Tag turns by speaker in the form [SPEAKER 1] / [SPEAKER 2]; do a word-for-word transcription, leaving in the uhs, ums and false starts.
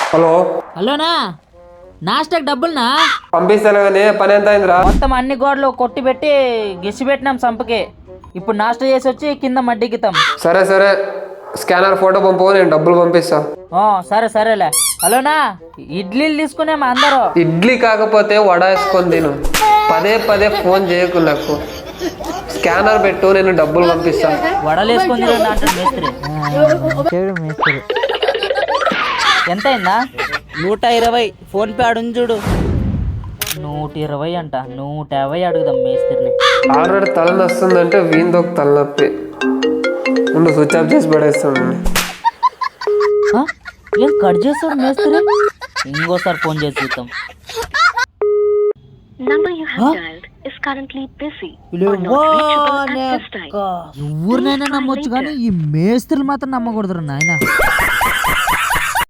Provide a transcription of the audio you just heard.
[SPEAKER 1] Hello
[SPEAKER 2] హలోనా Nasdaq డబ్బులునా
[SPEAKER 1] పంపిస్తాను కానీ పని ఎంత అయిందిరా?
[SPEAKER 2] మొత్తం అన్ని గోడలు కొట్టి పెట్టి గెసి పెట్టినాం సంపకే. ఇప్పుడు నాస్టా చేసి వచ్చి కింద మడ్డికితాం.
[SPEAKER 1] సరే సరే స్కానర్ ఫోటో పంపు, నేను డబ్బులు పంపిస్తా.
[SPEAKER 2] ఆ, సరే సరేలే. హలోనా ఇడ్లీలు తీసుకునేమా అందరూ?
[SPEAKER 1] ఇడ్లీ కాకపోతే వడ వేసుకొని తిను. పదే పదే ఫోన్ చేయకు నాకు. స్కానర్ పెట్టు, నేను డబ్బులు పంపిస్తా.
[SPEAKER 2] వడలు వేసుకొని తినండి అంటాడు మేస్త్రి. చెడు మేస్త్రి. ఎంత అయిందా? నూట ఇరవై. ఫోన్ పే అడుగు చూడు. నూట ఇరవై అంట. నూట యాభై అడుగుదాం మేస్త్రిని.
[SPEAKER 1] ఆల్రెడీ తలనొస్తుందంటే వీందొక తలనొప్పి. ముందు స్విచ్ ఆఫ్ చేసి పడేస్తాను.
[SPEAKER 2] ఆ? ఏం కట్ చేస్తాడు మేస్త్రి? ఇంకోసారి ఫోన్ చేసి చూద్దాం. ఎవరినైనా నమ్మొచ్చు కానీ ఈ మేస్త్రులు మాత్రం నమ్మకూడదు నాయన.